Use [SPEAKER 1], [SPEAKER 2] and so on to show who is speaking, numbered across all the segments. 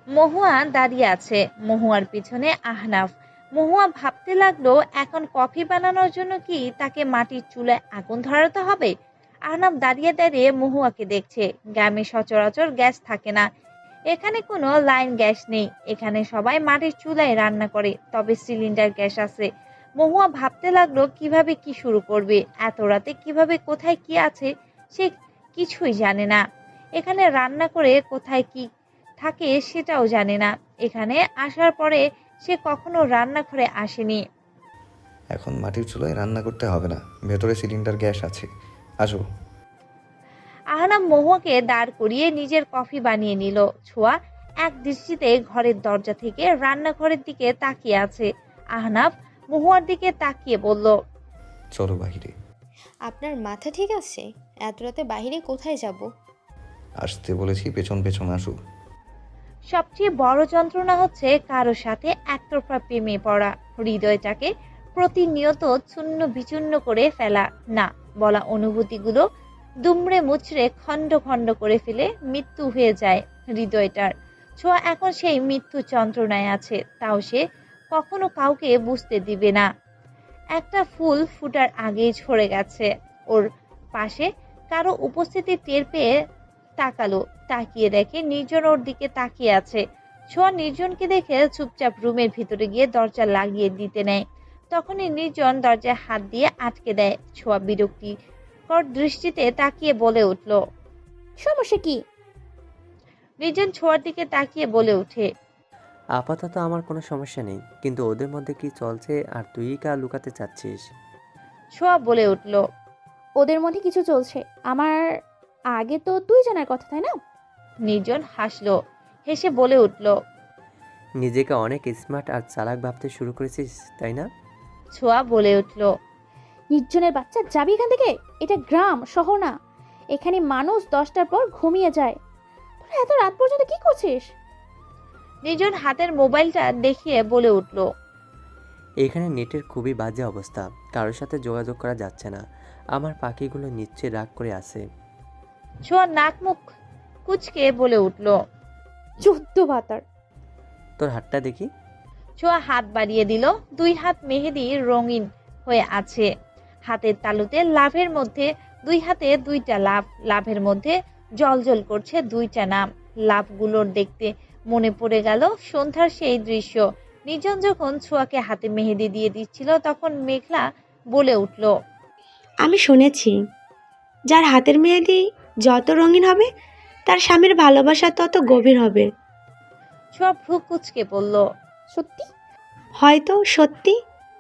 [SPEAKER 1] মহুয়া দাঁড়িয়ে আছে, মহুয়ার পিছনে আহনাফ। মহুয়া ভাবতে লাগলো, এখন কফি বানানোর জন্য কি তাকে মাটির চুলায় আগুন ধরাতে হবে? আহনাফ দাঁড়িয়ে দাঁড়িয়ে মহুয়াকে দেখছে। গ্রামে সচরাচর গ্যাস থাকে না, এখানে কোনো লাইন গ্যাস নেই, এখানে সবাই মাটির চুলায় রান্না করে, তবে সিলিন্ডার গ্যাস আছে। মহুয়া ভাবতে লাগলো কিভাবে কি শুরু করবে, এত রাতে কিভাবে কোথায় কি আছে সে কিছুই জানে না। এখানে রান্না করে কোথায় কি থাকে সেটাও জানে না। এখানে আসার পরে সে কখনো রান্নাঘরে আসেনি।
[SPEAKER 2] এখন মাটির চুলায় রান্না করতে হবে না, ভেতরে সিলিন্ডার গ্যাস আছে। আসো।
[SPEAKER 1] আহনাফ মহুয়াকে দাঁড় করিয়ে নিজের কফি বানিয়ে নিল। ছোঁয়া এক দৃষ্টিতে ঘরের দরজা থেকে রান্নাঘরের দিকে তাকিয়ে আছে। আহনাফ মহুয়ার দিকে তাকিয়ে বলল,
[SPEAKER 2] চলো বাহিরে।
[SPEAKER 3] আপনার মাথা ঠিক আছে? এত রাতে বাইরে কোথায় যাব?
[SPEAKER 2] আসতে বলেছি, পেছন পেছন আসো।
[SPEAKER 1] সবচেয়ে বড় যন্ত্রণা হচ্ছে কারো সাথে একতরফা প্রেমে পড়া, হৃদয়টাকে প্রতিনিয়ত চূর্ণ বিচূর্ণ করে ফেলা, না বলা অনুভূতিগুলো দুমড়ে মুচড়ে খণ্ড খণ্ড করে ফেলে মৃত্যু হয়ে যায় হৃদয়টার। ছোঁয়া এখন সেই মৃত্যু যন্ত্রণায় আছে, তাও সে কখনো কাউকে বুঝতে দিবে না। একটা ফুল ফুটার আগেই ঝরে গেছে। ওর পাশে কারো উপস্থিতি টের পেয়ে তাকালো, তাকিয়ে দেখে নির্জন ওর দিকে তাকিয়ে আছে। ছোঁয়া নির্জনকে দেখে চুপচাপ রুমের ভিতরে গিয়ে দরজা লাগিয়ে দিতে নেয়। তখনই নির্জন দরজায় হাত দিয়ে আটকে দেয়। ছোঁয়া বিরক্তিকর দৃষ্টিতে তাকিয়ে বলে উঠল।
[SPEAKER 3] সমস্যা কি?
[SPEAKER 1] নির্জন ছোঁয়ার দিকে তাকিয়ে বলে ওঠে,
[SPEAKER 4] আপাতত আমার কোনো সমস্যা নেই, কিন্তু ওদের মধ্যে কি চলছে আর তুই কা লুকাতে চাচ্ছিস?
[SPEAKER 1] ছোঁয়া বলে উঠল।
[SPEAKER 5] ওদের মধ্যে কিছু চলছে, আমার আগে তো তুই জানার কথা, তাই না?
[SPEAKER 1] নির্জন হাসলো, হেসে বলে উঠল।
[SPEAKER 4] নিজেকে অনেক স্মার্ট আর চালাক ভাবতে শুরু করেছিস, তাই না?
[SPEAKER 1] ছোঁয়া বলে উঠল।
[SPEAKER 5] নির্জনের বাচ্চা, যাবি এখান থেকে? এটা গ্রাম, শহর না। এখানে মানুষ 10টার পর ঘুমিয়ে যায়। তোরা এত রাত পর্যন্ত কি করছিস?
[SPEAKER 1] নির্জন হাতের মোবাইলটা দেখিয়ে বলে উঠল।
[SPEAKER 4] এখানে নেটের খুবই বাজে অবস্থা, কারোর সাথে যোগাযোগ করা যাচ্ছে না। আমার পাখিগুলো নিশ্চয়ই রাগ করে আছে।
[SPEAKER 1] ছোঁয়া নাক মুখ কুচকে বলে উঠল।
[SPEAKER 5] 14 ভাতার।
[SPEAKER 4] তোর হাতটা দেখি।
[SPEAKER 1] ছোঁয়া হাত বাড়িয়ে দিল। দুই হাত মেহেদি রঙিন হয়ে আছে। হাতের তালুতে লাভের মধ্যে দুই হাতে দুইটা লাভ, লাভের মধ্যে জলজল করছে দুইটা নাম। লাভগুলোর দেখতে মনে পড়ে গেল সন্ধ্যার সেই দৃশ্য। নির্জন যখন ছোঁয়াকে হাতে মেহেদি দিয়ে দিচ্ছিল তখন মেঘলা বলে উঠল।
[SPEAKER 6] আমি শুনেছি, যার হাতের মেহেদি যত রঙিন হবে তার স্বামীর ভালোবাসা তত গভীর হবে।
[SPEAKER 1] ছোঁয়া ভ্রু কুচকে পড়ল।
[SPEAKER 5] সত্যি?
[SPEAKER 6] হয়তো সত্যি।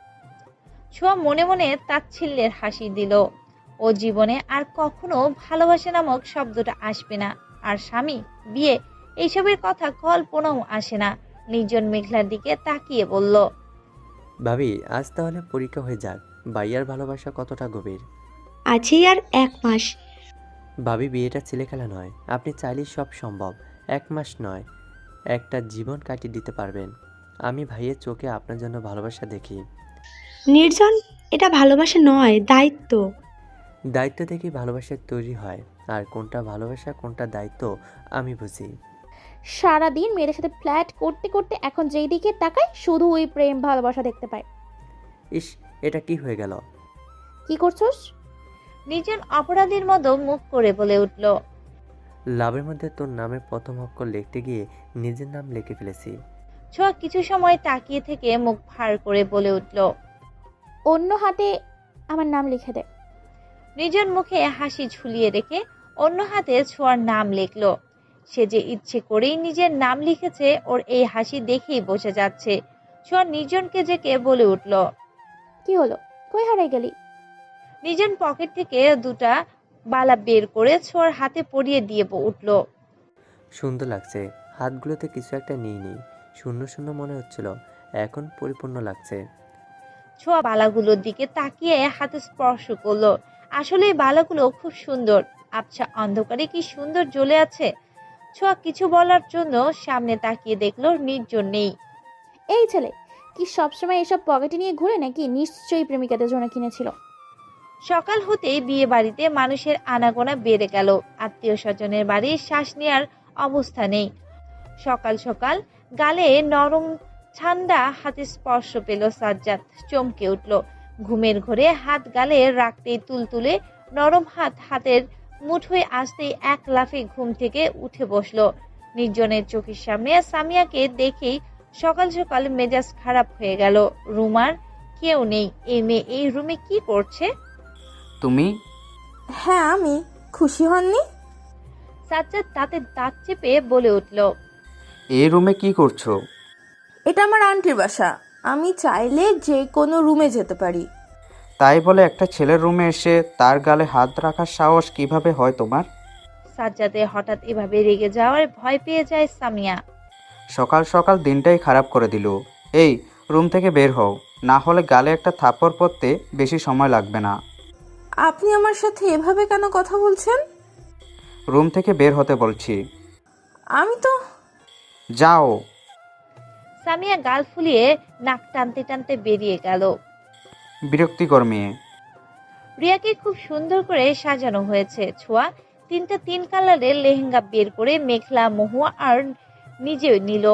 [SPEAKER 1] ছোঁয়া মনে মনে তাচ্ছিল্যের হাসি দিল। ও জীবনে আর কখনো ভালোবাসা নামক শব্দটা আসবে না, আর স্বামী, বিয়ে এইসবের কথা কল্পনাও আসে না। নির্জন মেঘলার দিকে তাকিয়ে বলল।
[SPEAKER 4] ভাবি, আজ তাহলে পরীক্ষা হয়ে যাক, ভাইয়ার ভালোবাসা কতটা গভীর।
[SPEAKER 6] আছেই আর 1 মাস।
[SPEAKER 4] ভাবি, বিয়েটা ছেলেখেলা নয়, আপনি চাইলেই সব সম্ভব। 1 মাস নয়, একটা জীবন কাটিয়ে দিতে পারবেন। আমি ভাইয়ের চোখে আপনার জন্য ভালোবাসা দেখি।
[SPEAKER 6] নির্জন, এটা ভালোবাসা নয়, দায়িত্ব।
[SPEAKER 4] দায়িত্ব থেকেই ভালোবাসা তৈরি হয়, আর কোনটা ভালোবাসা কোনটা দায়িত্ব আমি বুঝি।
[SPEAKER 5] সারাদিন মেয়েদের সাথে ফ্ল্যাট করতে করতে এখন যেই দিকে তাকাই শুধু ওই প্রেম ভালোবাসা দেখতে পাই।
[SPEAKER 4] ইস, এটা কি হয়ে গেল?
[SPEAKER 5] কি করছস?
[SPEAKER 1] নির্জন অপরাধীর মতো মুখ করে বলে উঠল।
[SPEAKER 4] লাভের মধ্যে তোর নামের প্রথম অক্ষর লিখতে গিয়ে নিজের নাম লিখে ফেলেছি।
[SPEAKER 1] ছোঁয়া কিছু সময় তাকিয়ে থেকে মুখ ভার করে বলে উঠল।
[SPEAKER 5] অন্য হাতে আমার নাম লিখে দে।
[SPEAKER 1] নির্জন মুখে হাসি ঝুলিয়ে রেখে অন্য হাতে ছোঁয়ার নাম লিখল। সে যে ইচ্ছে করেই নিজের নাম লিখেছে, ওর এই হাসি দেখেই বোঝা যাচ্ছে। ছোঁয়া নির্জনকে জেকে বলে উঠল।
[SPEAKER 5] কি হলো, কই হারাই গেলি?
[SPEAKER 1] নির্জন পকেট থেকে দুটা বালা বের করে ছোঁয়ার হাতে পরিয়ে দিয়ে উঠল।
[SPEAKER 4] সুন্দর লাগছে, হাতগুলোতে কিছু একটা নিয়ে নিই, শূন্য শূন্য মনে হচ্ছিল, এখন পরিপূর্ণ লাগছে।
[SPEAKER 1] ছোঁয়া বালাগুলোর দিকে তাকিয়ে হাতে স্পর্শ করলো। আসলে এই বালাগুলো খুব সুন্দর, আবছা অন্ধকারে কি সুন্দর জ্বলে আছে। ছোঁয়া কিছু বলার জন্য সামনে তাকিয়ে দেখলো নির্জন নেই।
[SPEAKER 5] এই ছেলে কি সবসময় এসব পকেটে নিয়ে ঘুরে নাকি? নিশ্চয়ই প্রেমিকাদের জন্য কিনেছিল।
[SPEAKER 1] সকাল হতেই বিয়ে বাড়িতে মানুষের আনাগোনা বেড়ে গেল। আত্মীয় স্বজনের বাড়ির শ্বাস নেওয়ার অবস্থা নেই। সকাল সকাল গালে নরম ঠান্ডা হাতে স্পর্শ পেল সাজ্জাদ, চমকে উঠল। ঘুমের ঘোরে হাত গালে রাখতেই তুলতুলে নরম হাত হাতের মুঠোয় আসতেই এক লাফে ঘুম থেকে উঠে বসলো। নির্জনের চোখের সামনে সামিয়াকে দেখেই সকাল সকাল মেজাজ খারাপ হয়ে গেল। রুমার কেউ নেই, এই মেয়ে এই রুমে কি করছে?
[SPEAKER 7] তুমি?
[SPEAKER 8] হ্যাঁ আমি। খুশি হননি?
[SPEAKER 1] সাজ্জাদ তাতে দাঁত চেপে বলে উঠল,
[SPEAKER 7] এই রুমে কি করছো?
[SPEAKER 8] এটা আমার আন্টির বাসা, আমি চাইলে যে কোনো রুমে যেতে পারি।
[SPEAKER 7] তাই বলে একটা ছেলের রুমে এসে তার গালে হাত রাখার সাহস কিভাবে হয় তোমার?
[SPEAKER 1] সাজ্জাদের হঠাৎ এভাবে রেগে যাওয়ার ভয় পেয়ে যায় সামিয়া।
[SPEAKER 7] সকাল সকাল দিনটাই খারাপ করে দিল। এই রুম থেকে বের হও, না হলে গালে একটা থাপ্পড় পড়তে বেশি সময় লাগবে না।
[SPEAKER 8] আপনি আমার সাথে এভাবে কেন কথা বলছেন?
[SPEAKER 7] রুম থেকে বের হতে বলছি।
[SPEAKER 8] আমি তো।
[SPEAKER 7] যাও।
[SPEAKER 1] সামিয়া গাল ফুলিয়ে নাক টানতে টানতে বেরিয়ে গেল।
[SPEAKER 7] বিরক্তিকর মেয়ে।
[SPEAKER 1] রিয়াকে খুব সুন্দর করে সাজানো হয়েছে। ছোঁয়া তিনটা 3 কালারের লেহেঙ্গা বের করে মেঘলা, মহুয়া আর নিজেও নিল।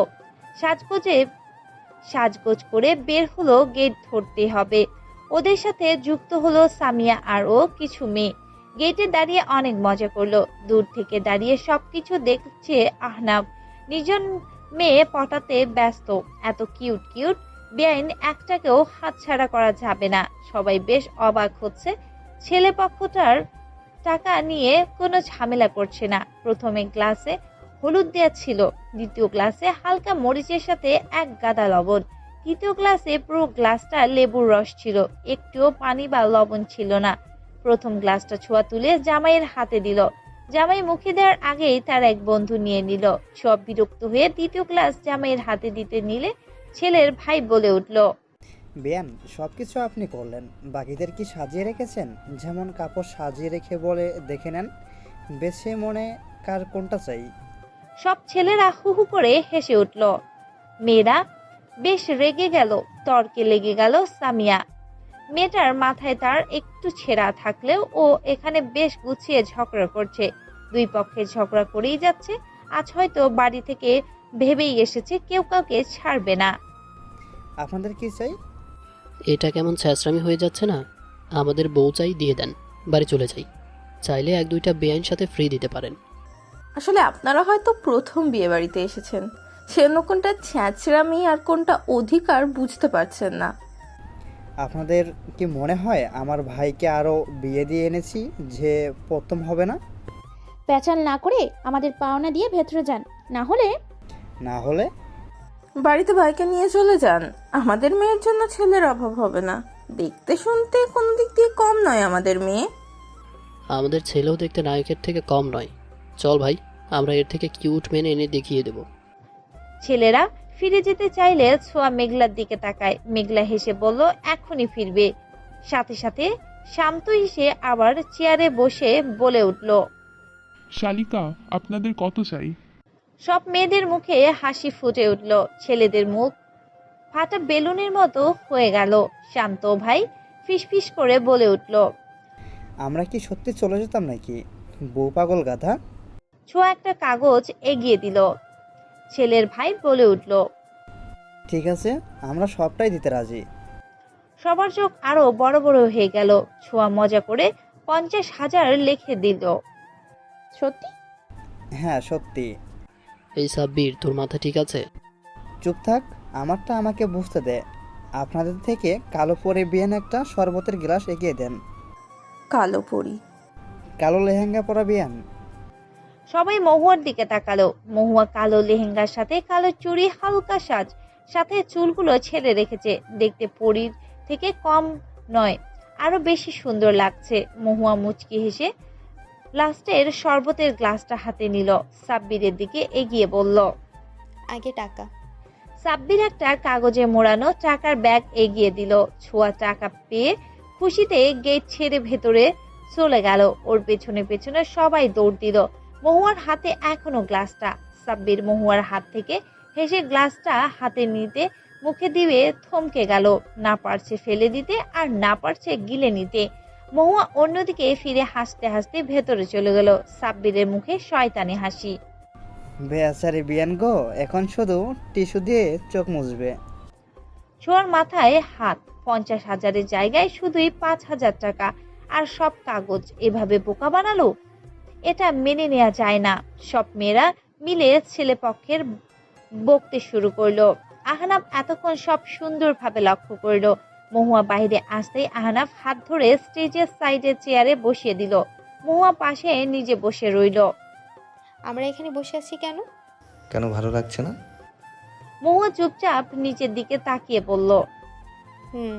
[SPEAKER 1] সাজগোজ করে বের হলো গেট ধরতে হবে। ওদের সাথে যুক্ত হলো সামিয়া আর ও কিছু মেয়ে। গেটে দাঁড়িয়ে অনেক মজা করলো। দূর থেকে দাঁড়িয়ে সবকিছু দেখছে আহনাব। নিজন মেয়ে পটাতে ব্যস্ত। এত কিউট কিউট বেআইন একটাকেও হাতছাড়া করা যাবে না। সবাই বেশ অবাক হচ্ছে। ছেলে পক্ষটার টাকা নিয়ে কোনো ঝামেলা করছে না। প্রথমে গ্লাসে হলুদ দেওয়া ছিল, দ্বিতীয় গ্লাসে হালকা মরিচের সাথে এক গাদা লবণ, তৃতীয় গ্লাসে পুরো গ্লাসটা লেবুর রস ছিল, একটুও পানি বা লবণ ছিল না। প্রথম গ্লাসটা ছোঁয়া তুলে জামাইয়ের হাতে দিল। জামাই মুখে দেওয়ার আগেই তার এক বন্ধু নিয়ে নিল। সব বিরক্ত হয়ে দ্বিতীয় গ্লাস জামাইয়ের হাতে দিতে নিলে ছেলের ভাই বলে উঠল,
[SPEAKER 9] বেয়ান সব কিছু আপনি করলেন, বাকিদের কি সাজিয়ে রেখেছেন? যেমন কাপড় সাজিয়ে রেখে বলে দেখে নেন, বেছে মনে কার কোনটা চাই।
[SPEAKER 1] সব ছেলেরা হু হু করে হেসে উঠল। মেয়েরা বেশ রেগে গেল। তর্কে লেগে গেল সামিয়া। মেয়েটার মাথায় তার একটু ছেঁড়া থাকলেও ও এখানে বেশ গুছিয়ে ঝগড়া করছে। দুই পক্ষে ঝগড়া করেই যাচ্ছে। আজ হয়তো বাড়ি থেকে ভেবেই এসেছে কেউ কাউকে ছাড়বে না।
[SPEAKER 9] আপনাদের কি চাই?
[SPEAKER 10] এটা কেমন ছ্যাঁচড়ামি হয়ে যাচ্ছে না? আমাদের বউ চাই, দিয়ে দেন, বাড়ি চলে যাই। চাইলে 1-2টা বেআইন সাথে ফ্রি দিতে পারেন।
[SPEAKER 8] আসলে আপনারা হয়তো প্রথম বিয়ে বাড়িতে এসেছেন, সেজন্য কোনটা ছ্যাঁচড়ামি আর কোনটা অধিকার বুঝতে পারছেন না।
[SPEAKER 9] আপনাদের কি মনে হয় আমার ভাইকে আরও বিয়ে দিয়ে এনেছি যে প্রথম হবে না?
[SPEAKER 5] প্যাচাল না করে আমাদের পাওনা দিয়ে ভেতরে যান, না হলে
[SPEAKER 9] না হলে
[SPEAKER 8] বাড়িতে ভাইকে নিয়ে চলে যান। আমাদের মেয়ের জন্য ছেলের অভাব হবে না। দেখতে শুনতে কোনো দিক দিয়ে কম নয় আমাদের মেয়ে।
[SPEAKER 10] আমাদের ছেলেও দেখতে নায়কের থেকে কম নয়। চল ভাই, আমরা এর থেকে কিউট মেনে এনে দেখিয়ে দেব।
[SPEAKER 1] ছেলেরা ফিরে যেতে চাইলে ছোঁয়া মেঘলার দিকে তাকায়। মেঘলা হেসে বলল এখনই ফিরবে। সাথে সাথে শান্ত হেসে আবার চেয়ারে বসে বলে উঠল,
[SPEAKER 11] শালিকা, আপনাদের কত চাই?
[SPEAKER 1] সব মেয়েদের মুখে হাসি ফুটে উঠল। ছেলেদের মুখ ফাটা বেলুনের মতো হয়ে গেল। শান্ত ভাই ফিসফিস করে বলে উঠল,
[SPEAKER 9] আমরা কি সত্যি চলে যেতাম নাকি? বউ পাগল গাধা।
[SPEAKER 1] ছোঁয়া একটা কাগজ এগিয়ে দিল। ছেলের ভাই বলে উঠল,
[SPEAKER 9] ঠিক আছে, আমরা সবটাই দিতে রাজি।
[SPEAKER 1] সবার চোখ আরো বড় বড় হয়ে গেল। ছোঁয়া মজা করে 50,000 লিখে দিল।
[SPEAKER 5] সত্যি?
[SPEAKER 9] হ্যাঁ সত্যি।
[SPEAKER 10] এই সাব্বির, তোর মাথা ঠিক আছে?
[SPEAKER 9] চুপ থাক, আমারটা আমাকে বুঝতে দে। আপনাদের থেকে কালো পরে বিয়ান একটা শরবতের গ্লাস এগিয়ে দেন।
[SPEAKER 8] কালো পরি?
[SPEAKER 9] কালো লেহেঙ্গা পরা বিয়ান।
[SPEAKER 1] সবাই মহুয়ার দিকে তাকালো। মহুয়া কালো লেহেঙ্গার সাথে কালো চুড়ি, হালকা সাজ, সাথে চুলগুলো ছেড়ে রেখেছে। দেখতে পরীর থেকে কম নয়, আরো বেশি সুন্দর লাগছে। মহুয়া মুচকি হেসে লাস্টের শরবতের গ্লাসটা হাতে নিল। সাব্বিরের দিকে এগিয়ে বলল,
[SPEAKER 3] আগে টাকা।
[SPEAKER 1] সাব্বির একটা কাগজে মোড়ানো টাকার ব্যাগ এগিয়ে দিল। ছোঁয়া টাকা পেয়ে খুশিতে গেট ছেড়ে ভেতরে চলে গেল। ওর পেছনে পেছনে সবাই দৌড় দিল। মহুয়ার হাতে এখনো গ্লাসটা। সাব্বির মহুয়ার হাত থেকে হেসে গ্লাসটা হাতে নিতে মুখে দিয়ে থমকে গেল। না পারছে ফেলে দিতে আর না পারছে গিলে নিতে। মহুয়া অন্যদিকে ফিরে হাসতে হাসতে ভেতরে চলে গেল। সাব্বিরের মুখে শয়তানি হাসি।
[SPEAKER 9] বেচারি বিয়ান গো, এখন শুধু টিস্যু দিয়ে চোখ মুছবে।
[SPEAKER 1] ছোঁয়ার মাথায় হাত। 50,000-এর জায়গায় শুধুই 5,000 টাকা আর সব কাগজ এভাবে বোকা বানালো। এটা মেনে নেওয়া যায় না। সব মেয়েরা মিলে ছেলেপক্ষের বকতে শুরু করলো। আহনাফ এতক্ষণ সব সুন্দরভাবে লক্ষ্য করলো। মহুয়া বাইরে আসতেই আহনাফ হাত ধরে স্টেজের সাইডের চেয়ারে বসিয়ে দিল। মহুয়া পাশে নিজে বসে রইল।
[SPEAKER 3] আমরা এখানে বসে আছি কেন?
[SPEAKER 2] কেন ভালো লাগছে না?
[SPEAKER 1] মহুয়া চুপচাপ নিচের দিকে তাকিয়ে বলল।
[SPEAKER 3] হুম।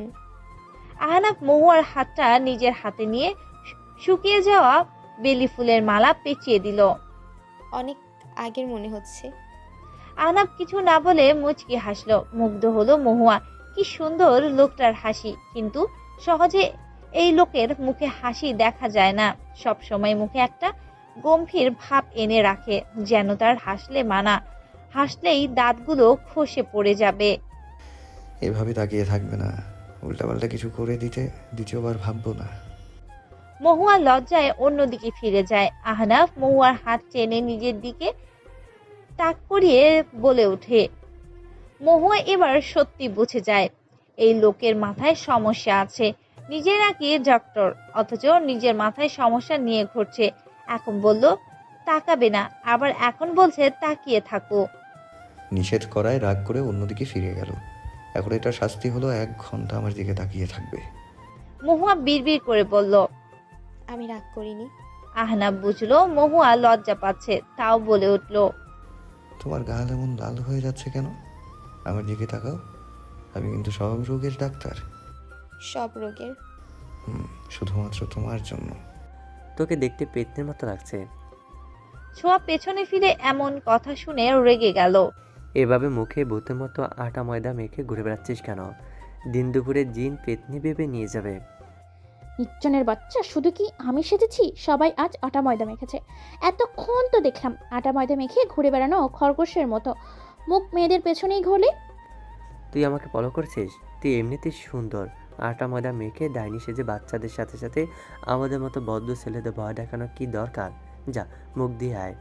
[SPEAKER 1] আহনাফ মহুয়ার হাতটা নিজের হাতে নিয়ে শুকিয়ে যাওয়া বেলি ফুলের মালা পেঁচিয়ে দিল।
[SPEAKER 3] অনেক আগের মনে হচ্ছে।
[SPEAKER 1] আহনাফ কিছু না বলে মুচকি হাসলো। মুগ্ধ হলো মহুয়া। কি সুন্দর লোকটার হাসি, কিন্তু সহজে এই লোকের মুখে হাসি দেখা যায় না। সব সময় মুখে একটা গম্ভীর ভাব এনে রাখে, যেন তার হাসলে মানা, হাসলেই দাঁতগুলো খসে পড়ে যাবে।
[SPEAKER 2] এভাবে তাকিয়ে থাকবে না, উল্টাপাল্টা কিছু করে দিতে দ্বিতীয়বার ভাববো না।
[SPEAKER 1] মহুয়া লজ্জায় অন্যদিকে ফিরে যায়। আহনাফ মহুয়ার হাত টেনে নিজের দিকে তাক করিয়ে বলে ওঠে। মহুয়া এবার সত্যি বুঝে যায় এই লোকের মাথায় সমস্যা আছে। নিজে নাকি ডক্টর, অথচ নিজের মাথায় সমস্যা নিয়ে ঘুরছে। এখন বলল তাকাবে না, আবার এখন বলছে তাকিয়ে থাকো।
[SPEAKER 2] নিষেধ করায় রাগ করে অন্যদিকে ফিরে গেল। এখন এটা শাস্তি হলো, 1 ঘন্টা আমার দিকে তাকিয়ে থাকবে।
[SPEAKER 1] মহুয়া বিড়বিড় করে বলল।
[SPEAKER 3] আমি রাগ করিনি।
[SPEAKER 1] আহনাফ বুঝলো মহুয়া লজ্জা পাচ্ছে, তাও বলে উঠল।
[SPEAKER 2] তোমার গাল এমন লাল হয়ে যাচ্ছে কেন? আমার দিকে তাকাও, আমি কিন্তু সব রোগের ডাক্তার।
[SPEAKER 3] সব রোগের?
[SPEAKER 2] শুধুমাত্র তোমার জন্য।
[SPEAKER 4] তোকে দেখতে পেতনির মতো লাগছে।
[SPEAKER 1] ছোঁয়া পেছনে ফিরে এমন কথা শুনে রেগে গেল।
[SPEAKER 4] এভাবে মুখে ভূতের মতো আটা ময়দা মেখে ঘুরে বেড়াচ্ছিস কেন? দিন দুপুরে জিন পেতনি ভেবে নিয়ে যাবে।
[SPEAKER 5] নির্জনের বাচ্চা, শুধু কি আমি সেজেছি? সবাই আজ আটা ময়দা মেখেছে। এতক্ষণ তো দেখলাম আটা ময়দা মেখে ঘুরে বেড়ানো খরগোশের মতো। মুখ মেয়েদের পেছনেই ঘোলে।
[SPEAKER 4] তুই আমাকে ফলো করছিস? তুই এমনিতেই সুন্দর। আটা ময়দা মেখে ডাইনি সেজে বাচ্চাদের সাথে সাথে আমাদের মতো বদ্ধ ছেলেদের ভয় দেখানো কি দরকার? যা, মুখ দিয়ে আয়।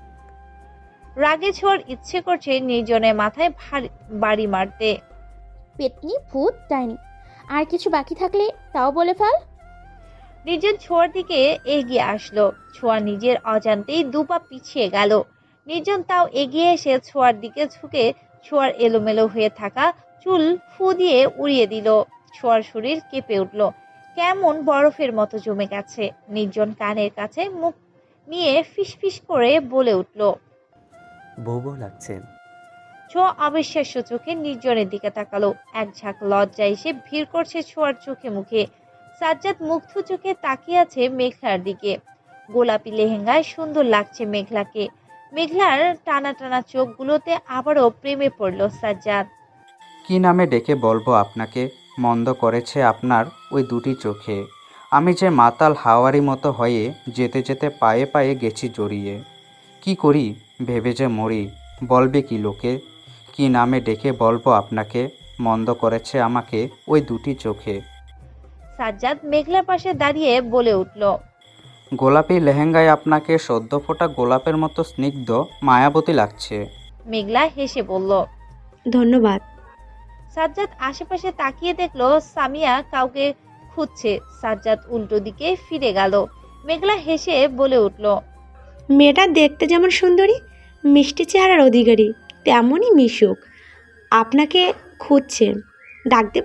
[SPEAKER 1] রাগে ছোঁয়ার ইচ্ছে করছে নির্জনের মাথায় বাড়ি মারতে।
[SPEAKER 5] পেতনি, ভূত, ডাইনি, আর কিছু বাকি থাকলে তাও বলে ফেল।
[SPEAKER 1] নির্জন ছোঁয়ার দিকে এগিয়ে আসলো। ছোঁয়া নিজের অজান্তেই 2 পা পিছিয়ে গেল। নির্জন তাও এগিয়ে এসে ছোঁয়ার দিকে ঝুঁকে ছোঁয়ার এলোমেলো হয়ে থাকা চুল ফু দিয়ে উড়িয়ে দিল। ছোঁয়ার শরীর কেঁপে উঠল, কেমন বরফের মতো জমে গেছে। নির্জন কানের কাছে মুখ নিয়ে ফিসফিস করে বলে উঠল।
[SPEAKER 4] বউ বউ লাগছে।
[SPEAKER 1] ছোঁয়া অবিশ্বাস্য চোখে নির্জনের দিকে তাকালো। এক ঝাঁক লজ্জা এসে ভিড় করছে ছোঁয়ার চোখে মুখে। সাজ্জাদ মুগ্ধ চোখে তাকিয়ে আছে মেঘলার দিকে। গোলাপি লেহেঙ্গায় সুন্দর লাগছে মেঘলাকে। মেঘলার টানা টানা চোখগুলোতে আবারও প্রেমে পড়ল সাজ্জাদ।
[SPEAKER 7] কি নামে ডেকে বলবো আপনাকে? মন্দ করেছে আপনার ওই দুটি চোখে। আমি যে মাতাল হাওয়ারি মতো হয়ে যেতে যেতে পায়ে পায়ে গেছি জড়িয়ে। কি করি ভেবে যে মরি, বলবে কি লোকে? কি নামে ডেকে বলবো আপনাকে? মন্দ করেছে আমাকে ওই দুটি চোখে।
[SPEAKER 1] সাজ্জাদ মেঘলার পাশে দাঁড়িয়ে বলে উঠল।
[SPEAKER 7] গোলাপি লেহেঙ্গায় আপনাকে সদ্য ফোটা গোলাপের মতো স্নিগ্ধ মায়াবতী লাগছে।
[SPEAKER 1] মেঘলা হেসে বলল।
[SPEAKER 6] ধন্যবাদ।
[SPEAKER 1] সাজ্জাদ আশেপাশে তাকিয়ে দেখলো সামিয়া কাউকে খুঁজছে। সাজ্জাদ উল্টো দিকে ফিরে গেল। মেঘলা হেসে বলে উঠল।
[SPEAKER 6] মেয়েটা দেখতে যেমন সুন্দরী, মিষ্টি চেহারার অধিকারী, তেমনই মিশুক। আপনাকে খুঁজছে, ডাক দেব?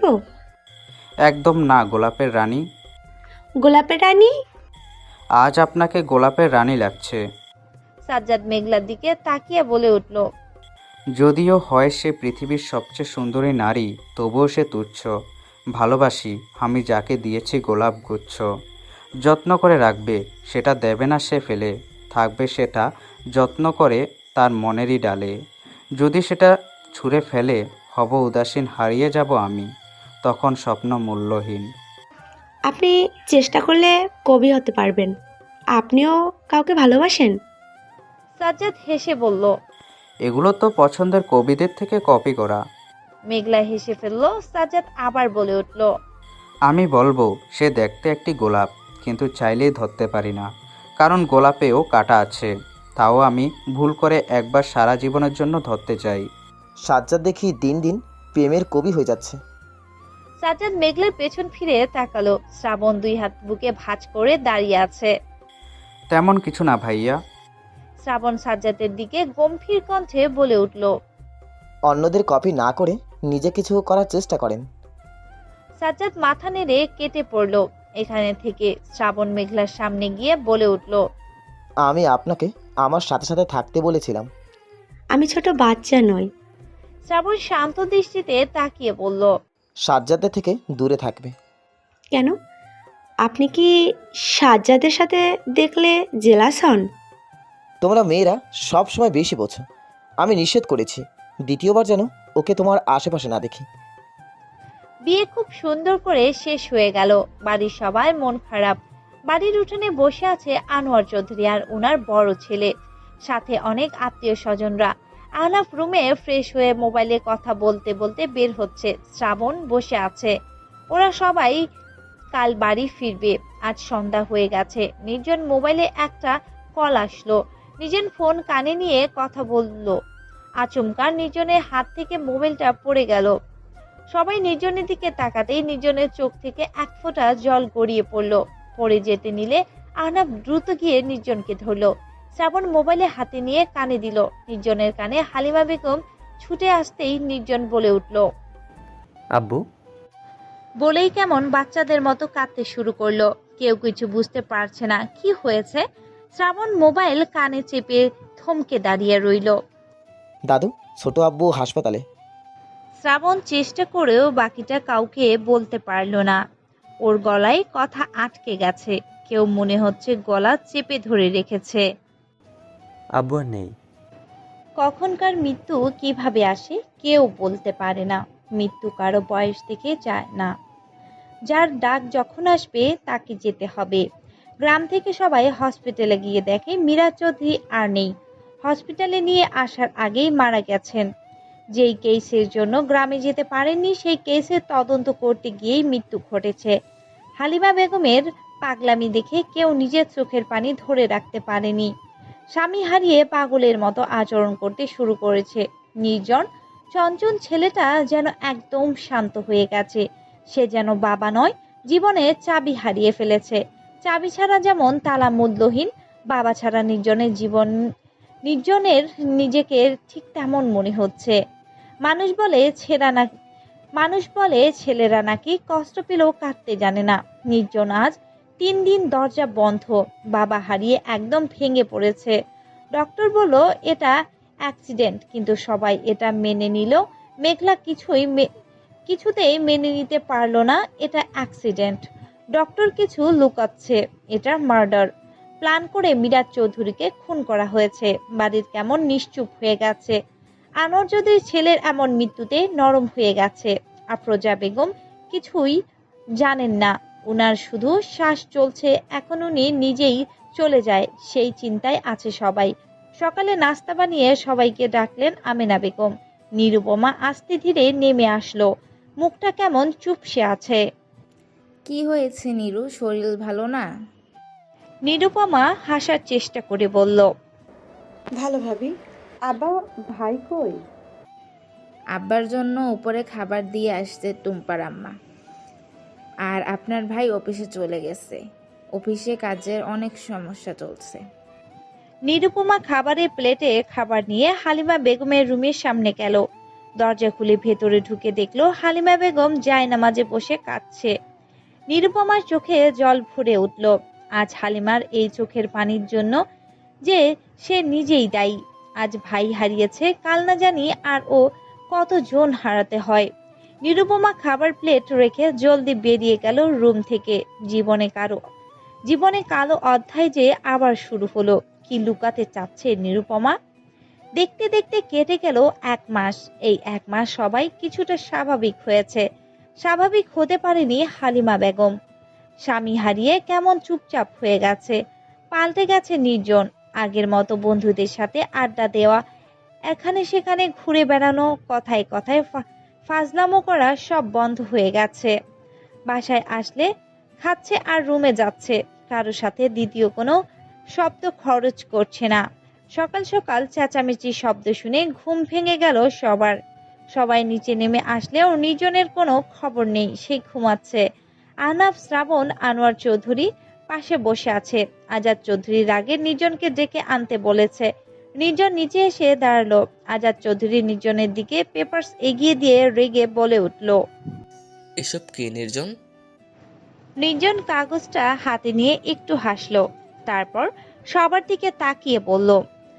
[SPEAKER 7] একদম না গোলাপের রানী।
[SPEAKER 6] গোলাপের রানী?
[SPEAKER 7] আজ আপনাকে গোলাপের রানী লাগছে।
[SPEAKER 1] সাজ্জাদ মেঘলার দিকে তাকিয়ে বলে উঠল।
[SPEAKER 7] যদিও হয় সে পৃথিবীর সবচেয়ে সুন্দরী নারী, তবুও সে তুচ্ছ। ভালোবাসি আমি যাকে দিয়েছি গোলাপ গুচ্ছ। যত্ন করে রাখবে, সেটা দেবে না সে ফেলে। থাকবে সেটা যত্ন করে তার মনেরই ডালে। যদি সেটা ছুঁড়ে ফেলে, হব উদাসীন, হারিয়ে যাব আমি, তখন স্বপ্ন মূল্যহীন।
[SPEAKER 6] আপনি চেষ্টা করলে কবি হতে পারবেন। আপনিও কাউকে ভালোবাসেন?
[SPEAKER 1] সাজ্জাদ হেসে বলল।
[SPEAKER 7] এগুলো তো পছন্দের কবিদের থেকে কপি করা।
[SPEAKER 1] মেঘলা হেসে ফেলল। সাজ্জাদ আবার বলে উঠল।
[SPEAKER 7] আমি বলবো সে দেখতে একটি গোলাপ, কিন্তু চাইলেই ধরতে পারি না, কারণ গোলাপেও কাঁটা আছে। তাও আমি ভুল করে একবার সারা জীবনের জন্য ধরতে চাই।
[SPEAKER 12] সাজ্জাদ দেখি দিন দিন প্রেমের কবি হয়ে যাচ্ছে।
[SPEAKER 1] সাজ্জাদ মেঘলার পেছন ফিরে তাকালো। শ্রাবণ 2 হাত বুকে ভাঁজ করে দাঁড়িয়ে আছে।
[SPEAKER 7] তেমন কিছু না ভাইয়া।
[SPEAKER 1] শ্রাবণ সাজ্জাদের দিকে গম্ভীর কণ্ঠে বলে উঠল।
[SPEAKER 12] অন্যদের কপি না করে নিজে কিছু করার চেষ্টা করেন।
[SPEAKER 1] সাজ্জাদ মাথা নেড়ে কেটে পড়ল। এখানে থেকে শ্রাবণ মেঘলার সামনে গিয়ে বলে উঠল।
[SPEAKER 12] আমি আপনাকে আমার সাথে সাথে থাকতে বলেছিলাম।
[SPEAKER 6] আমি ছোট বাচ্চা নই।
[SPEAKER 1] শ্রাবণ শান্ত দৃষ্টিতে তাকিয়ে বলল।
[SPEAKER 12] সাজ্জাদের থেকে দূরে থাকবে।
[SPEAKER 6] কেন? আপনি কি সাজ্জাদের সাথে দেখলে জেলাস হন?
[SPEAKER 12] তোমরা মেয়েরা সব সময় বেশি বোঝো। আমি নিষেধ করেছি দ্বিতীয়বার যেন ওকে তোমার আশেপাশে না দেখি।
[SPEAKER 1] বিয়ে খুব সুন্দর করে শেষ হয়ে গেল। বাড়ির সবাই মন খারাপ। বাড়ির উঠোনে বসে আছে আনোয়ার চৌধুরী আর ওনার বড় ছেলে, সাথে অনেক আত্মীয় স্বজনরা। আহনাফ রুমে ফ্রেশ হয়ে মোবাইলে কথা বলতে বলতে বের হচ্ছে। শ্রাবণ বসে আছে। ওরা সবাই কাল বাড়ি ফিরবে। আজ সন্ধ্যা হয়ে গেছে। নির্জন মোবাইলে একটা কল আসলো। নির্জন ফোন কানে নিয়ে কথা বলল। আচমকা নির্জনের হাত থেকে মোবাইলটা পড়ে গেল। সবাই নির্জনের দিকে তাকাতেই নির্জনের চোখ থেকে এক ফোঁটা জল গড়িয়ে পড়ল। পড়ে যেতে নিলে আহনাফ দ্রুত গিয়ে নির্জনকে ধরল। শ্রাবণ মোবাইলে হাতে নিয়ে কানে দিল। নির্জনের কানে হালিমা বেগম ছুটে আসতেই নির্জন বলে উঠল।
[SPEAKER 4] আব্বু।
[SPEAKER 1] বলেই কেমন বাচ্চাদের মতো কাঁদতে শুরু করলো। কেউ কিছু বুঝতে পারছে না কি হয়েছে। শ্রাবণ মোবাইল কানে চেপে থমকে দাঁড়িয়ে রইল।
[SPEAKER 12] দাদু, ছোট আব্বু হাসপাতালে।
[SPEAKER 1] শ্রাবণ চেষ্টা করেও বাকিটা কাউকে বলতে পারল না। ওর গলায় কথা আটকে গেছে। কেউ মনে হচ্ছে গলা চেপে ধরে রেখেছে।
[SPEAKER 4] আব্বু আর নেই।
[SPEAKER 1] কখনকার মৃত্যু কিভাবে আসে কেউ বলতে পারে না। মৃত্যু কারো বয়স থেকে যায় না। যার ডাক যখন আসবে তাকে যেতে হবে। গ্রাম থেকে সবাই হসপিটালে গিয়ে দেখে মীরা চৌধুরী আর নেই। হসপিটালে নিয়ে আসার আগেই মারা গেছেন। যেই কেসের জন্য গ্রামে যেতে পারেননি সেই কেসের তদন্ত করতে গিয়েই মৃত্যু ঘটেছে। হালিমা বেগমের পাগলামি দেখে কেউ নিজের চোখের পানি ধরে রাখতে পারেনি। স্বামী হারিয়ে পাগলের মতো আচরণ করতে শুরু করেছে। নির্জন চঞ্চল ছেলেটা যেন একদম শান্ত হয়ে গেছে। সে যেন বাবা নয়, জীবনের চাবি হারিয়ে ফেলেছে। চাবি ছাড়া যেমন তালা মূল্যহীন, বাবা ছাড়া নির্জনের নিজেকে ঠিক তেমন মনে হচ্ছে। মানুষ বলে ছেলেরা নাকি কষ্ট পেলেও কাঁদতে জানে না। নির্জন আজ 3 দিন দরজা বন্ধ। বাবা হারিয়ে একদম ভেঙে পড়েছে। ডক্টর বলল এটা অ্যাক্সিডেন্ট, কিন্তু সবাই এটা মেনে নিল। মেঘলা কিছুতেই মেনে নিতে পারলো না এটা অ্যাক্সিডেন্ট। ডক্টর কিছু লুকাচ্ছে। এটা মার্ডার। প্ল্যান করে মিরাজ চৌধুরীকে খুন করা হয়েছে। বাড়ির কেমন নিশ্চুপ হয়ে গেছে। আনোয়ার চৌধুরীর ছেলের এমন মৃত্যুতে নরম হয়ে গেছে। আফরোজা বেগম কিছুই জানেন না। উনার শুধু শ্বাস চলছে। এখন উনি নিজেই চলে যায় সেই চিন্তায় আছে সবাই। সকালে নাস্তা বানিয়ে সবাইকে ডাকলেন আমেনা বেগম। নিরুপমা আস্তে ধীরে নেমে আসলো। মুখটা কেমন চুপসে আছে।
[SPEAKER 13] কি হয়েছে নিরু, শরীর ভালো না?
[SPEAKER 1] নিরুপমা হাসার চেষ্টা করে বলল।
[SPEAKER 14] ভালো ভাবি। আব্বা ভাই কই?
[SPEAKER 13] আব্বার জন্য উপরে খাবার দিয়ে আসছে টুম্পার আম্মা। আর আপনার ভাই অফিসে চলে গেছে। অফিসে কাজের অনেক সমস্যা চলছে।
[SPEAKER 1] নিরুপমা খাবারের প্লেটে খাবার নিয়ে হালিমা বেগমের রুমের সামনে গেল। দরজা খুলে ভেতরে ঢুকে দেখলো হালিমা বেগম জায়নামাজে বসে কাঁদছে। নিরুপমার চোখে জল ভরে উঠল। আজ হালিমার এই চোখের পানির জন্য যে সে নিজেই দায়ী। আজ ভাই হারিয়েছে, কাল না জানি আর ও কতজন হারাতে হয়। নিরুপমা খাবার প্লেট রেখে জলদি বেরিয়ে গেল রুম থেকে। জীবনে কালো অধ্যায় যে আবার শুরু হলো। কি লুকাতে চাচ্ছে নিরুপমা? দেখতে দেখতে কেটে গেল 1 মাস। এই 1 মাস সবাই কিছুটা স্বাভাবিক হয়েছে। স্বাভাবিক হতে পারেনি হালিমা বেগম। স্বামী হারিয়ে কেমন চুপচাপ হয়ে গেছে। পাল্টে গেছে নির্জন। আগের মতো বন্ধুদের সাথে আড্ডা দেওয়া, এখানে সেখানে ঘুরে বেড়ানো, কথায় কথায় ফাজলামো করা সব বন্ধ হয়ে গেছে। বাসায় আসলে খাচ্ছে আর রুমে যাচ্ছে। কারো সাথে দ্বিতীয় কোনো শব্দ খরচ করছে না। সকাল সকাল চেঁচামেচির শব্দ শুনে ঘুম ভেঙে গেল সবার। সবাই নিচে নেমে আসলেও নির্জনের কোনো খবর নেই, সে ঘুমাচ্ছে। আহনাফ, শ্রাবণ, আনোয়ার চৌধুরী পাশে বসে আছে। আজাদ চৌধুরীর আগে নির্জনকে ডেকে আনতে বলেছে। নির্জন নিচে এসে দাঁড়ালো। আজাদ চৌধুরী নির্জনের দিকে পেপারস এগিয়ে দিয়ে রেগে বলে উঠল,
[SPEAKER 15] এসব কি নির্জন?
[SPEAKER 1] নির্জন কাগজটা হাতে নিয়ে একটু হাসলো, তারপর সবার দিকে তাকিয়ে বলল,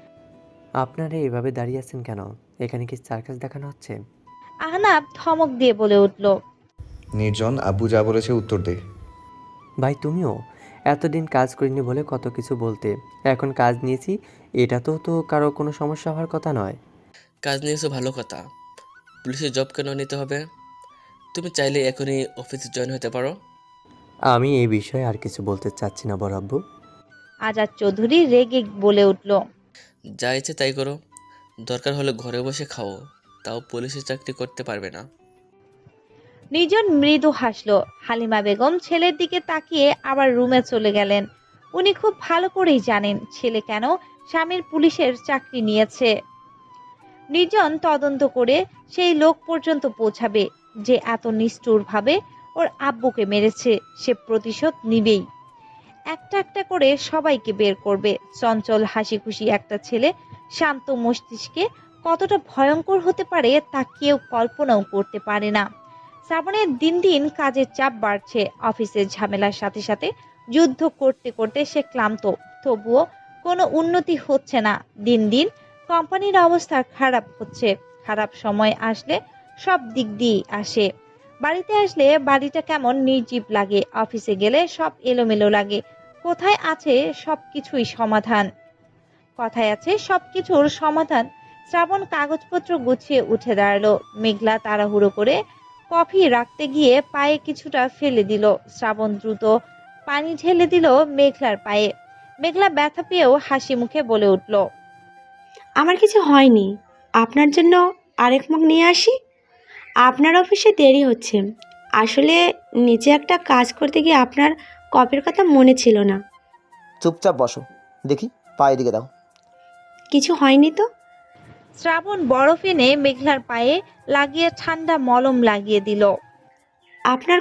[SPEAKER 4] আপনারা এভাবে দাঁড়িয়ে আছেন কেন? এখানে কি সার্কাস দেখানো হচ্ছে?
[SPEAKER 1] আহনাফ ধমক দিয়ে বলে উঠল,
[SPEAKER 2] নির্জন, আব্বু যা বলেছে উত্তর দে।
[SPEAKER 4] ভাই তুমিও এতদিন কাজ করিনি বলে কত কিছু বলতে, এখন কাজ নিয়েছি, এটা তো কারো কোনো সমস্যা হওয়ার কথা নয়।
[SPEAKER 15] কাজ নিয়েছো ভালো কথা, পুলিশের জব কেন নিতে হবে? তুমি চাইলে এখনই অফিসে জয়েন হতে পারো।
[SPEAKER 4] আমি এই বিষয়ে আর কিছু বলতে চাচ্ছি না বড় আব্বু।
[SPEAKER 1] আজাদ চৌধুরী রেগে বলে উঠল,
[SPEAKER 15] যা ইচ্ছে তাই করো, দরকার হলে ঘরে বসে খাও, তাও পুলিশের চাকরি করতে পারবে না।
[SPEAKER 1] নির্জন মৃদু হাসলো। হালিমা বেগম ছেলের দিকে তাকিয়ে আবার রুমে চলে গেলেন। উনি খুব ভালো করেই জানেন ছেলে কেন স্বামীর পুলিশের চাকরি নিয়েছে। নির্জন তদন্ত করে সেই লোক পর্যন্ত পৌঁছাবে যে এত নিষ্ঠুরভাবে ওর আব্বুকে মেরেছে। সে প্রতিশোধ নিবেই। একটা একটা করে সবাইকে বের করবে। চঞ্চল হাসি খুশি একটা ছেলে শান্ত মস্তিষ্কে কতটা ভয়ঙ্কর হতে পারে তা কেউ কল্পনাও করতে পারে না। শ্রাবণের দিন দিন কাজের চাপ বাড়ছে। অফিসের ঝামেলার সাথে সাথে যুদ্ধ করতে করতে সে ক্লান্ত, তবুও কোনো উন্নতি হচ্ছে না। দিন দিন কোম্পানির অবস্থা খারাপ হচ্ছে। খারাপ সময় আসলে সব দিক দিয়ে আসে। বাড়িতে আসলে বাড়িটা কেমন নির্জীব লাগে, অফিসে গেলে সব এলোমেলো লাগে। কোথায় আছে সবকিছুই সমাধান? কথায় আছে সবকিছুর সমাধান। শ্রাবণ কাগজপত্র গুছিয়ে উঠে দাঁড়ালো। মেঘলা তাড়াহুড়ো করে কফি রাখতে গিয়ে পায়ে কিছুটা ফেলে দিল। শ্রাবণ দ্রুত পানি ঢেলে দিল মেঘলার পায়ে। মেঘলা ব্যথা পেয়েও হাসি মুখে বলে উঠল,
[SPEAKER 6] আমার কিছু হয়নি, আপনার জন্য আরেক মগ নিয়ে আসি। আপনার অফিসে দেরি হচ্ছে, আসলে নিচে একটা কাজ করতে গিয়ে আপনার কপের কথা মনে ছিল না।
[SPEAKER 12] চুপচাপ বসো, দেখি পায়ে দিকে দাও।
[SPEAKER 6] কিছু হয়নি তো?
[SPEAKER 1] শ্রাবণ বরফ এনে মেঘলার পায়ে লাগিয়ে ঠান্ডা মলম লাগিয়ে দিল।
[SPEAKER 6] আপনার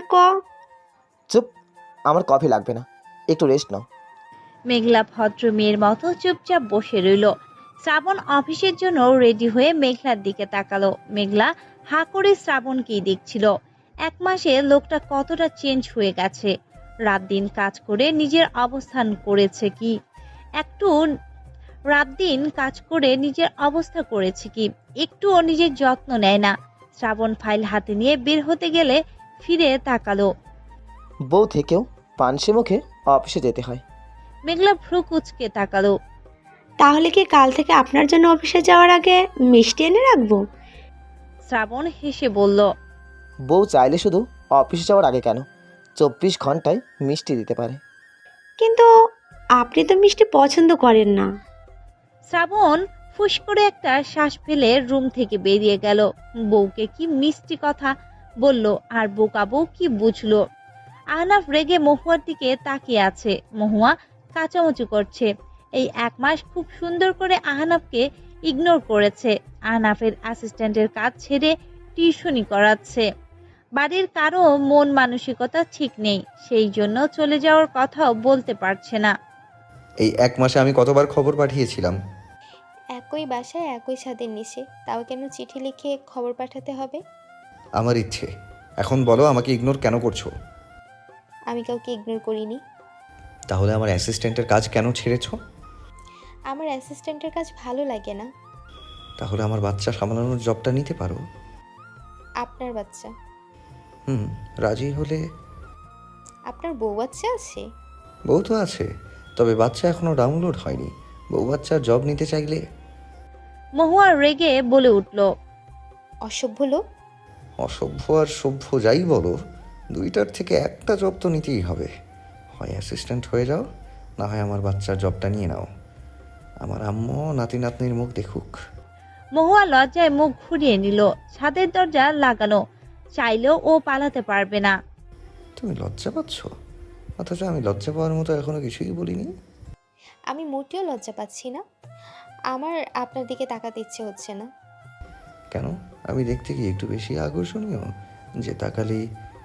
[SPEAKER 12] চুপ, আমার কফি লাগবে না, একটু রেস্ট নাও।
[SPEAKER 1] মেঘলা ভদ্র মেয়ের মতো চুপচাপ বসে রইল। শ্রাবণ অফিসের জন্য রেডি হয়ে মেঘলার দিকে তাকালো। মেঘলা হা করে শ্রাবণকেই দেখছিল। 1 মাসে লোকটা কতটা চেঞ্জ হয়ে গেছে। রাত দিন কাজ করে নিজের অবস্থান করেছে কি একটু, রাত দিন কাজ করে নিজের অবস্থা করেছে কি একটুও নিজের যত্ন নেয় না। শ্রাবণ ফাইল হাতে নিয়ে বের হতে গেলে ফিরে তাকালো।
[SPEAKER 12] বউ থেকেও পানসে মুখে অফিসে যেতে হয়।
[SPEAKER 1] মেঘলা ভ্রু কুচকে তাকালো।
[SPEAKER 6] তাহলে কি কাল থেকে আপনার জন্য অফিসে যাওয়ার আগে মিষ্টি এনে রাখবো?
[SPEAKER 1] শ্রাবণ হেসে বলল,
[SPEAKER 12] বউ চাইলে শুধু অফিসে যাওয়ার আগে কেন, 24 ঘন্টায় মিষ্টি দিতে পারে।
[SPEAKER 6] কিন্তু আপনি তো মিষ্টি পছন্দ করেন না।
[SPEAKER 1] শ্রাবণ ফুস করে একটা শ্বাস ফেলে রুম থেকে বেরিয়ে গেল। বউকে কি মিষ্টি কথা বলল আর বোকা বউ কি বুঝলো। আহনাফ রেগে মহুয়ার দিকে তাকিয়ে আছে। মহুয়া কাচামুচু করছে। এই 1 মাস খুব সুন্দর করে আহনাফকে ইগনোর করেছে। আহনাফের অ্যাসিস্ট্যান্টের কাজ ছেড়ে টিউশনি করাচ্ছে। বাড়ির কারো মন মানসিকতা ঠিক নেই, সেই জন্য চলে যাওয়ার কথাও বলতে পারছে না।
[SPEAKER 2] এই 1 মাসে আমি কতবার খবর পাঠিয়েছিলাম।
[SPEAKER 3] একই বাসায় একই ছাদের নিচে, তাও কেন চিঠি লিখে খবর পাঠাতে হবে?
[SPEAKER 2] আমার ইচ্ছে। এখন বলো আমাকে ইগনোর কেন করছো?
[SPEAKER 3] আমি কাউকে ইগনোর করিনি।
[SPEAKER 2] তাহলে আমার অ্যাসিস্ট্যান্টের কাজ কেন ছেড়েছো?
[SPEAKER 3] আমার অ্যাসিস্ট্যান্টের কাজ ভালো লাগে না।
[SPEAKER 2] তাহলে আমার বাচ্চা সামলানোর জবটা নিতে পারো।
[SPEAKER 3] আপনার বাচ্চা?
[SPEAKER 2] রাজি হলে।
[SPEAKER 3] আপনার বউ বাচ্চা আছে?
[SPEAKER 2] বউ তো আছে, তবে বাচ্চা এখনো ডাউনলোড হয়নি। বউ বাচ্চার জব নিতে চাইলে।
[SPEAKER 1] মহুয়া রেগে বলে উঠল,
[SPEAKER 3] অসভ্য লোক।
[SPEAKER 2] অসভ্য আর সভ্য যাই বলো, দুইটার থেকে একটা জব তো নিতেই হবে। হয় অ্যাসিস্ট্যান্ট হয়ে যাও, না হয় আমার বাচ্চার জবটা নিয়ে নাও। আমার আম্মু নাতি নাতনির মুখ দেখুক।
[SPEAKER 1] মহুয়া লজ্জায় মুখ ঘুরিয়ে নিল। ছাদের দরজা লাগানো, চাইলেও ও পালাতে পারবে না।
[SPEAKER 2] তুমি লজ্জা পাচ্ছ? অথচ আমি লজ্জা পাওয়ার মতো এখনো কিছুই বলিনি।
[SPEAKER 3] আমি মোটেও লজ্জা পাচ্ছি না। আমার আপনার দিকে তাকাতে ইচ্ছে হচ্ছে না।
[SPEAKER 2] কেন? আমি দেখতে কি একটু বেশি আকর্ষণীয় যে তাকালেই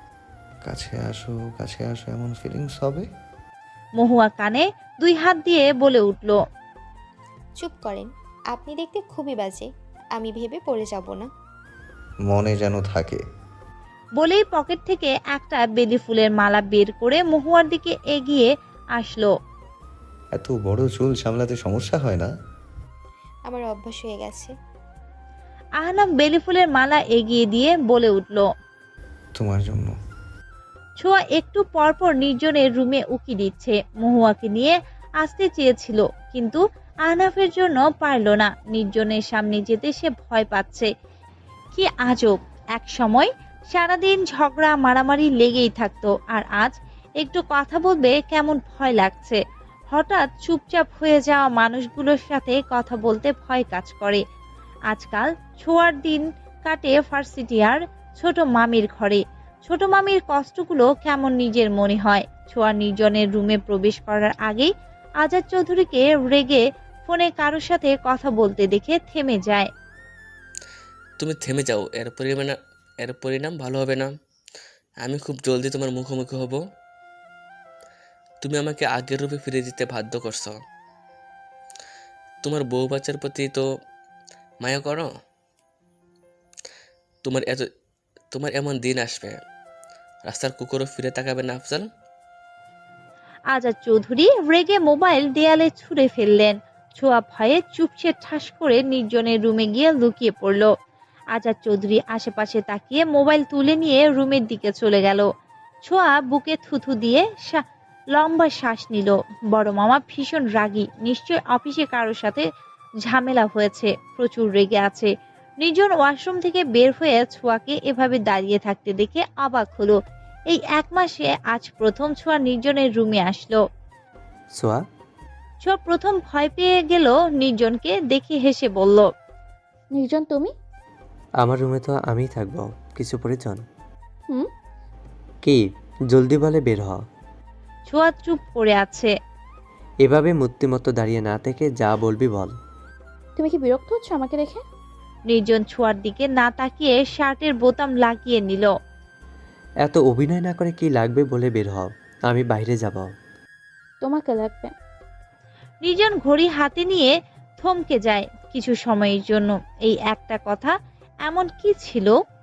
[SPEAKER 2] কাছে আসো এমন ফিলিংস হবে?
[SPEAKER 1] মহুয়া কানে 2 হাত দিয়ে বলে উঠল,
[SPEAKER 3] চুপ করেন, আপনি দেখতে খুবই বাজে, আমি ভেবে পড়ে যাব না।
[SPEAKER 2] মনে যেন থাকে।
[SPEAKER 1] বলেই পকেট থেকে একটা বেলি ফুলের মালা বের করে মহুয়ার দিকে এগিয়ে আসলো।
[SPEAKER 2] এত বড় চুল সামলাতে সমস্যা হয় না?
[SPEAKER 3] আমার অভ্যাস হয়ে গেছে।
[SPEAKER 1] আহনাফ বেলি ফুলের মালা এগিয়ে দিয়ে বলে উঠল।
[SPEAKER 2] তোমার জন্য।
[SPEAKER 1] ছোঁয়া একটু পরপর নির্জনের রুমে উকি দিচ্ছে। মহুয়াকে নিয়ে আসতে চেয়েছিল, কিন্তু আহনাফের জন্য পারল না। নির্জনের সামনে যেতে সে ভয় পাচ্ছে। কি আজব, এক সময় সারাদিন ঝগড়া মারামারি লেগেই থাকতো, আর আজ একটু কথা বলবে কেমন ভয় লাগছে। হঠাৎ চুপচাপ হয়ে যাওয়া মানুষগুলোর সাথে কথা বলতে ভয় কাজ করে। আজকাল ছোঁয়ার দিন কাটে ভার্সিটিয়ার ছোট মামির ঘরে। ছোট মামির কষ্টগুলো কেমন নিজের মনে হয়। ছোঁয়া নির্জনের রুমে প্রবেশ করার আগেই আজাদ চৌধুরীকে রেগে ফোনে কারোর সাথে কথা বলতে দেখে থেমে যায়।
[SPEAKER 15] তুমি থেমে যাও, এর পরিণাম ভালো হবে না। আমি খুব জলদি তোমার মুখোমুখি হব। তুমি আমাকে আগের রূপে ফিরে দিতে বাধ্য করছো। তোমার বউ বাচ্চার প্রতি তো মায়া করো। তোমার এমন দিন আসবে, রাস্তার কুকুরও ফিরে তাকাবে না আফজাল।
[SPEAKER 1] আজাদ চৌধুরী রেগে মোবাইল দেয়ালে ছুঁড়ে ফেললেন। ছোঁয়া ভয়ে চুপসে ঠাস করে নির্জনের রুমে গিয়ে লুকিয়ে পড়ল। আজাদ চৌধুরী আশেপাশে তাকিয়ে মোবাইল তুলে নিয়ে রুমের দিকে চলে গেল। ছোঁয়া বুকে থুথু দিয়ে লম্বা শ্বাস নিল। বড় মামা ভীষণ রাগী, নিশ্চয় অফিসে কারোর সাথে ঝামেলা হয়েছে, প্রচুর রেগে আছে। নির্জন ওয়াশরুম থেকে বের হয়ে ছোঁয়াকে এভাবে দাঁড়িয়ে থাকতে দেখে অবাক হলো। এই 1 মাসে আজ প্রথম ছোঁয়া নির্জনের রুমে আসলো। ছোঁয়া প্রথম ভয় পেয়ে গেল নির্জনকে দেখে, হেসে বলল,
[SPEAKER 5] নির্জন তুমি?
[SPEAKER 4] আমার রুমে তো আমিই থাকবো, কিছু প্রয়োজন?
[SPEAKER 5] হুম।
[SPEAKER 4] কি? জলদি বলে বের হ।
[SPEAKER 1] ছোঁয়া চুপ করে আছে।
[SPEAKER 4] এভাবে মূর্তিমতো দাঁড়িয়ে না থেকে যা বলবি বল।
[SPEAKER 5] তুমি কি বিরক্ত হচ্ছ আমাকে দেখে?
[SPEAKER 1] নির্জন ছোঁয়ার দিকে না তাকিয়ে শার্টের বোতাম লাগিয়ে নিল।
[SPEAKER 4] এত অভিনয় না করে কি লাগবে বলে বের হ, আমি বাইরে যাব।
[SPEAKER 5] তোমাকে লাগবে।
[SPEAKER 1] নির্জন ঘড়ি হাতে নিয়ে থমকে যায় কিছু সময়ের জন্য। এই একটা কথা এমন কি ছিল